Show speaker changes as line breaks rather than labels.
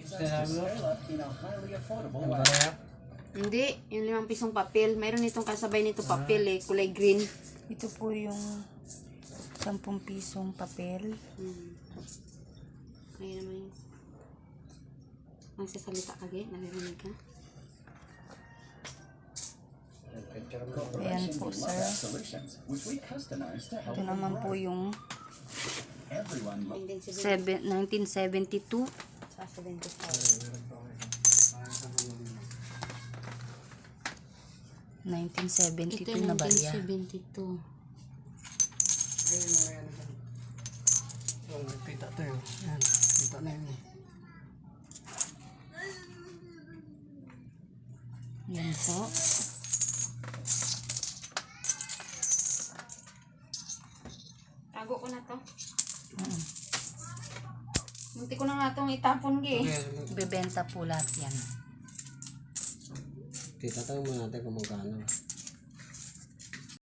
Hindi, yung 5 pisong papel. Mayroon itong kasabay nito papel eh, kulay green.
Ito po yung 10 pisong papel.
Ayun naman yun. Magsasalita ka, naririnig ka?
Ayan po, sir. Ito naman po yung 1972.
Sa 75.
1972 na barya.
1972.
Kita to yun. Yan. Kita na yun.
Yan po.
Tago ko na to. Munti ko na nga itong itapon gi.
Bebenta po lahat yan.
Kita tayo muna natin kung magkano.